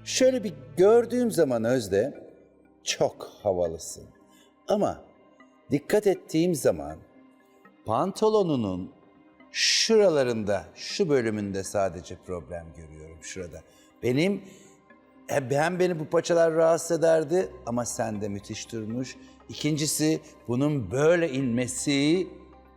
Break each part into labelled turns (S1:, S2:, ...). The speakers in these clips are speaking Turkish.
S1: Şöyle bir gördüğüm zaman Özde çok havalısın. Ama dikkat ettiğim zaman pantolonunun şuralarında, şu bölümünde sadece problem görüyorum şurada. Hem beni bu paçalar rahatsız ederdi ama sende müthiş durmuş. İkincisi bunun böyle inmesi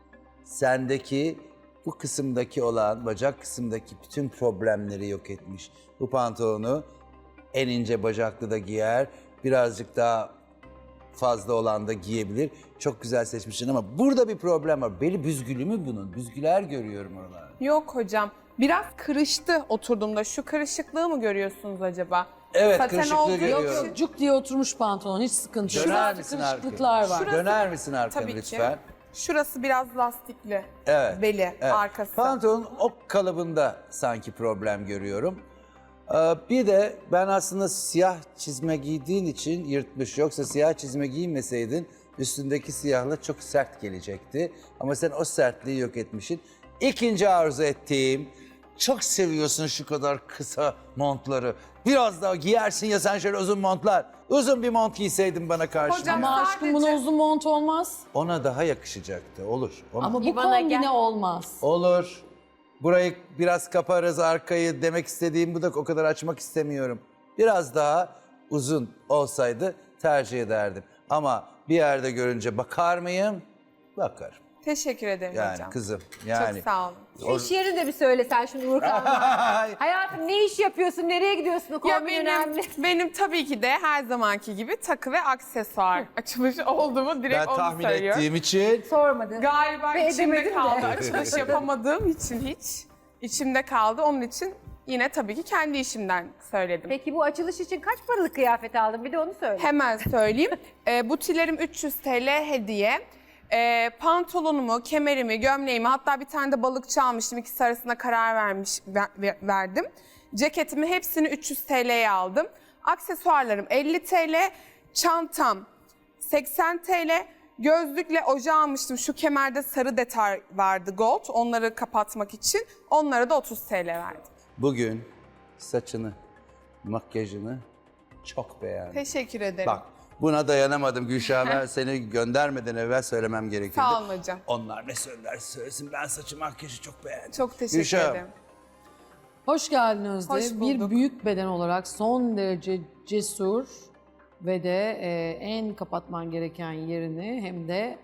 S1: sendeki bu kısımdaki olan, bacak kısımdaki bütün problemleri yok etmiş. Bu pantolonu en ince bacaklı da giyer, birazcık daha fazla olan da giyebilir. Çok güzel seçmişsin ama burada bir problem var. Beli büzgülü mü bunun? Büzgüler görüyorum oralarda.
S2: Yok hocam. Biraz kırıştı oturduğumda. Şu kırışıklığı mı görüyorsunuz acaba?
S1: Evet,
S2: Saten
S1: kırışıklığı
S2: olduğu
S1: görüyorum.
S2: için-
S3: Cuk diye oturmuş pantolon, hiç sıkıntı yok.
S1: Döner
S3: Şurası
S1: misin
S3: kırışıklıklar
S1: arkaya?
S3: var.
S1: Döner misin arkaya
S2: Tabii ki.
S1: lütfen?
S2: Şurası biraz lastikli.
S1: Evet.
S2: Beli,
S1: evet.
S2: arkası.
S1: Pantolonun ok kalıbında sanki problem görüyorum. Bir de ben aslında siyah çizme giydiğin için yırtmış. Yoksa siyah çizme giymeseydin üstündeki siyahla çok sert gelecekti. Ama sen o sertliği yok etmişsin. İkinci arzu ettiğim, çok seviyorsun şu kadar kısa montları. Biraz daha giyersin ya sen şöyle uzun montlar. Uzun bir mont giyseydin bana karşı.
S2: Hocam,
S3: Ama aşkım buna uzun mont olmaz.
S1: Ona daha yakışacaktı. Olur.
S3: Ama bu
S4: İvana
S3: kombine
S4: gel.
S3: olmaz.
S1: Olur. Burayı biraz kaparız arkayı demek istediğim bu da o kadar açmak istemiyorum. Biraz daha uzun olsaydı tercih ederdim. Ama bir yerde görünce bakar mıyım? Bakarım.
S2: Teşekkür ederim
S1: Yani
S2: hocam.
S1: kızım yani.
S2: Çok sağ olun.
S4: Şu iş yerini de bir söylesen şimdi Uğurkan. Hayatım ne iş yapıyorsun, nereye gidiyorsun, o
S2: Ya
S4: kombin
S2: benim,
S4: önemli.
S2: benim tabii ki de her zamanki gibi takı ve aksesuar açılışı oldu mu direkt
S1: Ben
S2: onu
S1: tahmin
S2: söylüyorum.
S1: ettiğim için
S4: Sormadın.
S2: Galiba
S4: Ve
S2: içimde
S4: edemedim de.
S2: kaldı. Açılış yapamadığım için hiç içimde kaldı. Onun için yine tabii ki kendi işimden söyledim.
S4: Peki bu açılış için kaç paralık kıyafet aldın? Bir de onu söyle.
S2: Hemen söyleyeyim. Butilerim 300 TL hediye. Pantolonumu, kemerimi, gömleğimi hatta bir tane de balıkçı almıştım. İkisi arasında karar verdim. Ceketimi hepsini 300 TL'ye aldım. Aksesuarlarım 50 TL, çantam 80 TL, gözlükle oje almıştım. Şu kemerde sarı detay vardı gold. Onları kapatmak için. Onlara da 30 TL verdim.
S1: bugün saçını, makyajını çok beğendim.
S2: Teşekkür ederim.
S1: Bak buna dayanamadım Gülşah. Ben seni göndermeden evvel söylemem gerekirdi.
S2: Sağ olun hocam.
S1: Onlar ne söylerse söylesin ben saçı makyajı çok beğendim.
S2: Çok teşekkür
S1: Gülşah,
S2: ederim.
S3: Hoş geldin Özde.
S2: Hoş
S3: Bir
S2: bulduk.
S3: büyük beden olarak son derece cesur ve de en kapatman gereken yerini hem de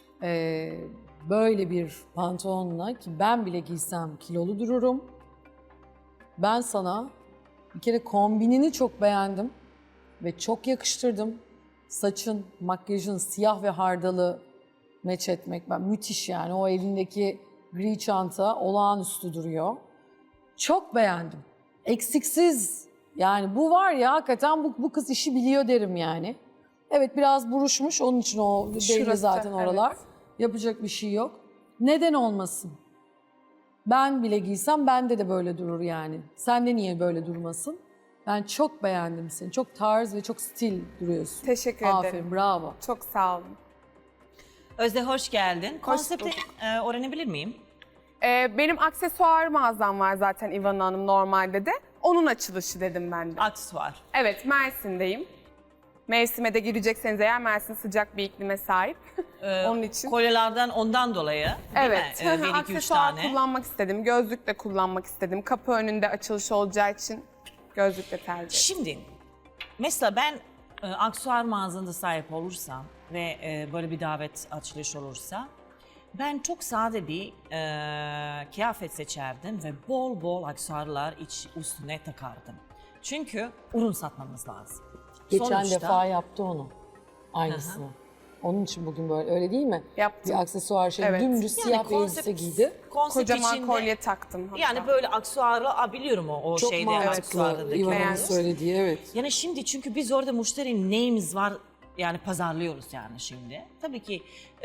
S3: böyle bir pantolonla ki ben bile giysem kilolu dururum. Ben sana bir kere kombinini çok beğendim ve çok yakıştırdım. Saçın, makyajın siyah ve hardalı meç etmek müthiş yani. O elindeki gri çanta olağanüstü duruyor. Çok beğendim. Eksiksiz. Yani bu var ya hakikaten bu kız işi biliyor derim yani. Evet biraz buruşmuş onun için o belli
S2: Şurası,
S3: zaten oralar.
S2: evet.
S3: Yapacak bir şey yok. Neden olmasın? Ben bile giysem bende de böyle durur yani. Sende niye böyle durmasın? Ben çok beğendim seni. Çok tarz ve çok stil duruyorsun.
S2: Teşekkür
S3: Aferin,
S2: ederim.
S3: bravo.
S2: Çok sağ olun.
S5: Özde hoş geldin. Konsepti
S2: bulduk.
S5: öğrenebilir miyim?
S2: Benim aksesuar mağazam var zaten İvan Hanım normalde de. Onun açılışı dedim ben de.
S5: Aksesuar.
S2: Evet, Mersin'deyim. Mevsime de girecekseniz eğer Mersin sıcak bir iklime sahip. Onun için.
S5: Kolyelerden ondan dolayı değil
S2: Evet,
S5: mi? Bir, iki, üç
S2: aksesuar
S5: tane.
S2: kullanmak istedim. Gözlük de kullanmak istedim. Kapı önünde açılış olacağı için gözlük de tercih ettim.
S5: Şimdi mesela ben aksesuar mağazında sahip olursam ve böyle bir davet açılış olursa ben çok sade bir kıyafet seçerdim ve bol bol aksesuarlar üstüne takardım. Çünkü ürün satmamız lazım.
S3: Geçen
S5: Sonuçta-
S3: defa yaptı onu. Aynısını. Onun için bugün böyle öyle değil mi?
S2: Yaptım.
S3: Bir aksesuar şey
S2: Evet.
S3: dümdüz siyah bir elbise giydi.
S5: konsept
S2: Kocaman
S5: içinde-
S2: kolye taktım hatta.
S5: Yani böyle aksesuarlı biliyorum o
S3: Çok
S5: şeyde
S3: mantıklı.
S5: aksesuarlardaki.
S3: İvan'ın
S2: Beğendim.
S3: söylediği evet.
S5: Yani şimdi çünkü biz orada müşteri neyimiz var yani pazarlıyoruz yani şimdi. Tabii ki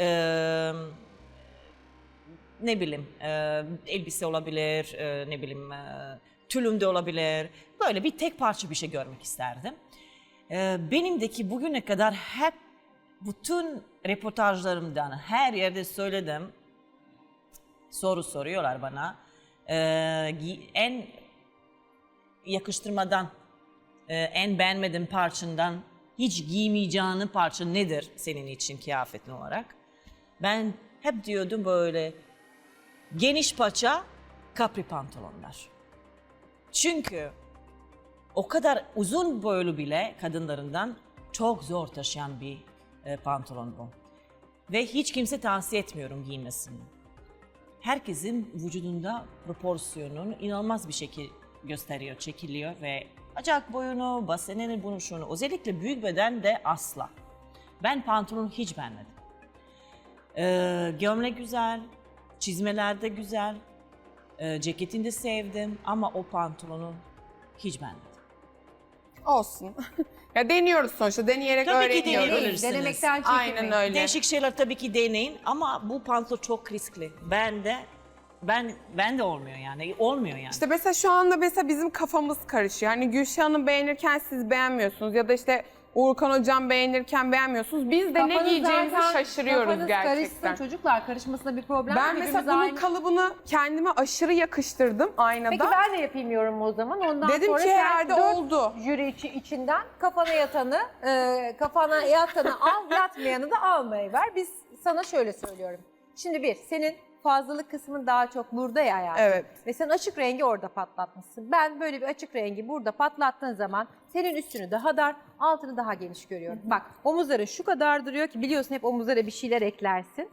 S5: ne bileyim elbise olabilir, ne bileyim tülüm de olabilir. Böyle bir tek parça bir şey görmek isterdim. Benimdeki bugüne kadar hep bütün reportajlarımdan her yerde söyledim. Soru soruyorlar bana. En yakıştırmadan en beğenmediğin parçandan hiç giymeyeceğin parça nedir senin için kıyafetin olarak? Ben hep diyordum böyle geniş paça kapri pantolonlar. Çünkü o kadar uzun boylu bile kadınlarından çok zor taşıyan bir pantolon bu. Ve hiç kimse tavsiye etmiyorum giymesini. Herkesin vücudunda proporsiyonunu inanılmaz bir şekilde gösteriyor, çekiliyor ve bacak boyunu, basenini, bunu şunu. Özellikle büyük beden de asla. Ben pantolonu hiç beğenmedim. Gömlek güzel, çizmeler de güzel, ceketini de sevdim ama o pantolonu hiç beğenmedim.
S2: Olsun. Ya deniyoruz sonuçta. Deneyerek
S5: Tabii ki
S2: öğreniyoruz.
S5: deneyebilirsiniz.
S4: Denemekten çekinmeyin.
S2: Aynen öyle.
S5: Değişik şeyler tabii ki deneyin ama bu pantolon çok riskli. Ben de olmuyor yani. Olmuyor yani.
S2: İşte mesela şu anda mesela bizim kafamız karışıyor. Hani Gülşah'ı beğenirken siz beğenmiyorsunuz ya da işte Uğurkan Hocam beğenirken beğenmiyorsunuz. Biz de ne
S4: Kafanız
S2: giyeceğimizi
S4: zaten-
S2: şaşırıyoruz
S4: kafanız
S2: gerçekten.
S4: karışsın çocuklar, karışmasında bir problem
S2: Ben
S4: yok.
S2: mesela
S4: Hepimiz
S2: bunun
S4: aynı.
S2: kalıbını kendime aşırı yakıştırdım aynada.
S4: Peki ben de yapayım yorumu o zaman. Ondan
S2: Dedim
S4: sonra
S2: ki
S4: sen
S2: herhalde
S4: 4
S2: oldu.
S4: jüri içinden kafana yatanı al, yatmayanı da almayı ver. Biz sana şöyle söylüyorum. Şimdi senin fazlalık kısmın daha çok burada ya hayatım.
S2: Evet.
S4: Ve sen açık rengi orada patlatmışsın. Ben böyle bir açık rengi burada patlattığın zaman senin üstünü daha dar, altını daha geniş görüyorum. Bak omuzların şu kadar duruyor ki biliyorsun hep omuzlara bir şeyler eklersin.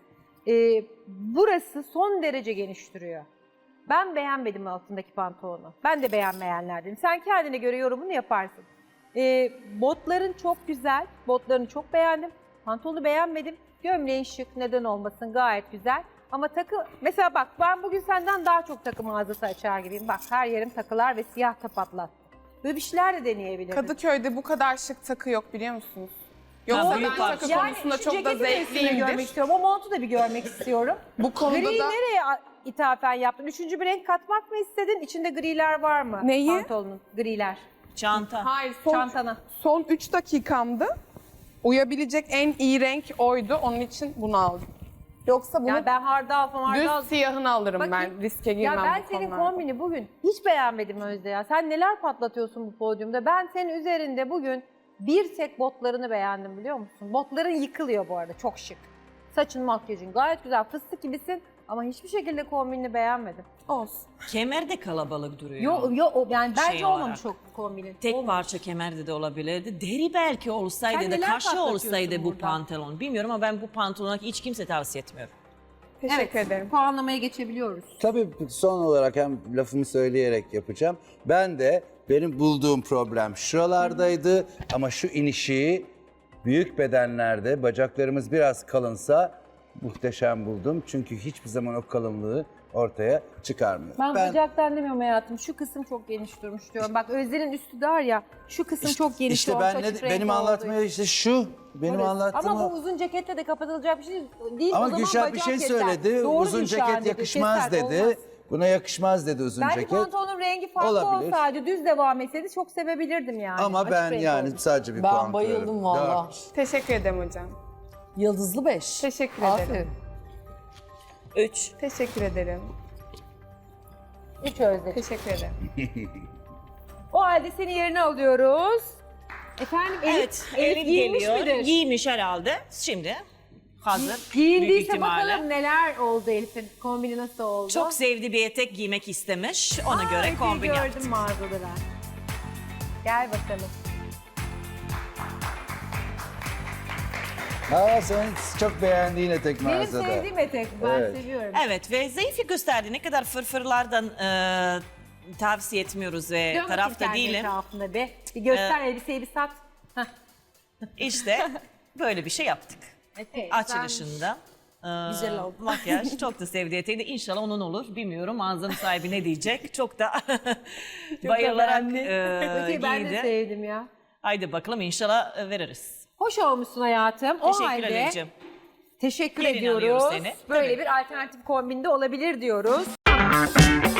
S4: Burası son derece geniş duruyor. Ben beğenmedim altındaki pantolonu. Ben de beğenmeyenlerdenim. Sen kendine göre yorumunu yaparsın. Botların çok güzel. Botlarını çok beğendim. Pantolonu beğenmedim. Gömleğin şık, neden olmasın, gayet güzel. Ama takı, mesela bak ben bugün senden daha çok takı mağazası açar gibiyim. Bak her yerim takılar ve siyah tapatlar. Böyle bir şeyler de deneyebilirim.
S2: Kadıköy'de bu kadar şık takı yok biliyor musunuz? Yoksa
S5: Ha,
S2: ben
S5: büyük
S2: takı
S5: parça.
S2: konusunda
S4: şu
S2: çok da
S4: ceketi de üstüne görmek
S2: zevkliyimdir.
S4: istiyorum. O montu da bir görmek istiyorum.
S2: Bu konuda
S4: Griyi
S2: da
S4: nereye ithafen yaptın? Üçüncü bir renk katmak mı istedin? İçinde griler var mı?
S2: Neyi?
S4: Pantolonun griler.
S5: Çanta.
S2: hayır
S4: Çantana.
S2: son 3 dakikamdı. Uyabilecek en iyi renk oydu. Onun için bunu aldım. Yoksa bunu
S4: Yani ben hardal
S2: düz siyahını alırım
S4: Bakayım.
S2: ben. Riske girmem
S4: Ya ben
S2: bu
S4: senin
S2: konularda.
S4: kombini bugün hiç beğenmedim Özde ya. Sen neler patlatıyorsun bu podyumda. Ben senin üzerinde bugün bir tek botlarını beğendim biliyor musun? Botların yıkılıyor bu arada, çok şık. Saçın, makyajın gayet güzel, fıstık gibisin ama hiçbir şekilde kombinini beğenmedim.
S2: Olsun.
S5: Kemer de kalabalık duruyor.
S4: Yani bence
S5: Şey
S4: olmamış
S5: olarak.
S4: o kombinin.
S5: Tek
S4: Olmamış.
S5: parça kemerde de olabilirdi. Deri belki olsaydı
S4: Sen
S5: da
S4: neler
S5: kaşı
S4: patlatıyorsun
S5: olsaydı bu
S4: burada?
S5: pantolon. Bilmiyorum ama ben bu pantolona hiç kimse tavsiye etmiyorum.
S2: Teşekkür ederim.
S4: Puanlamaya geçebiliyoruz.
S1: Tabii son olarak hem lafımı söyleyerek yapacağım. Ben de benim bulduğum problem şuralardaydı ama şu inişi büyük bedenlerde bacaklarımız biraz kalınsa muhteşem buldum. Çünkü hiçbir zaman o kalınlığı ortaya çıkarmıyor.
S4: Ben bacaktan demiyorum hayatım. Şu kısım çok geniş durmuş diyorum. Bak Özden'in üstü dar ya. Şu kısım çok geniş
S1: İşte
S4: olmuş.
S1: ben
S4: açık
S1: benim
S4: renk
S1: anlatmaya
S4: olduğu
S1: işte şu benim
S4: için.
S1: anlattığım
S4: Ama
S1: o.
S4: bu uzun ceketle de kapatılacak bir şey değil.
S1: Ama
S4: O zaman
S1: Gülşah bir
S4: bacak
S1: şey
S4: keser.
S1: söyledi.
S4: Doğru
S1: Uzun
S4: Gülşah
S1: ceket
S4: dedi,
S1: yakışmaz
S4: keser,
S1: dedi.
S4: olmaz.
S1: Buna yakışmaz dedi uzun
S4: Belki
S1: ceket.
S4: pantolonun rengi farklı
S1: Olabilir.
S4: olsaydı, düz devam etseydi çok sevebilirdim yani.
S1: Ama
S4: Açık
S1: ben
S4: renk
S1: yani
S4: olmuş.
S1: sadece bir
S3: Ben
S1: puan
S3: bayıldım
S1: kırarım.
S3: valla.
S1: Dört.
S2: Teşekkür ederim hocam.
S3: Yıldızlı 5.
S2: Teşekkür
S3: Aferin.
S2: ederim.
S5: 3.
S2: Teşekkür ederim.
S4: 3 Özde.
S2: Teşekkür ederim.
S4: O halde seni yerine alıyoruz. Efendim
S5: Evet,
S4: Elif giymiş
S5: geliyor.
S4: midir?
S5: Giymiş herhalde. Şimdi hazır. Büyük
S4: Giyindiyse
S5: ihtimalle.
S4: bakalım neler oldu Elif'in. Kombini nasıl oldu?
S5: Çok sevdiği bir etek giymek istemiş. Ona göre
S4: epey
S5: kombin
S4: gördüm
S5: yaptı.
S4: mağazalara. Gel bakalım.
S1: Sen çok beğendiğin etek
S4: Benim
S1: mağazada.
S4: sevdiğim etek. Ben
S1: Evet.
S4: seviyorum.
S5: Evet ve zayıfı gösterdi. Ne kadar fırfırlardan tavsiye etmiyoruz ve
S4: Dön bakayım
S5: tarafta
S4: kendi
S5: değilim.
S4: etrafında be. Bir göster elbiseyi bir sat. Heh.
S5: İşte böyle bir şey yaptık.
S4: Epey
S5: Açılışında.
S4: Güzel oldu.
S5: Makyaj çok da sevdiği eteği de inşallah onun olur. Bilmiyorum mağazanın sahibi ne diyecek. Çok da bayılarak
S4: Öteyi ben de
S5: giydi.
S4: sevdim ya.
S5: Haydi bakalım inşallah veririz.
S4: Hoş olmuşsun hayatım. O
S5: Teşekkür
S4: halde
S5: ederim.
S4: teşekkür
S5: Yerine
S4: ediyoruz.
S5: alıyoruz seni.
S4: Böyle
S5: Tabii.
S4: bir alternatif kombinde olabilir diyoruz.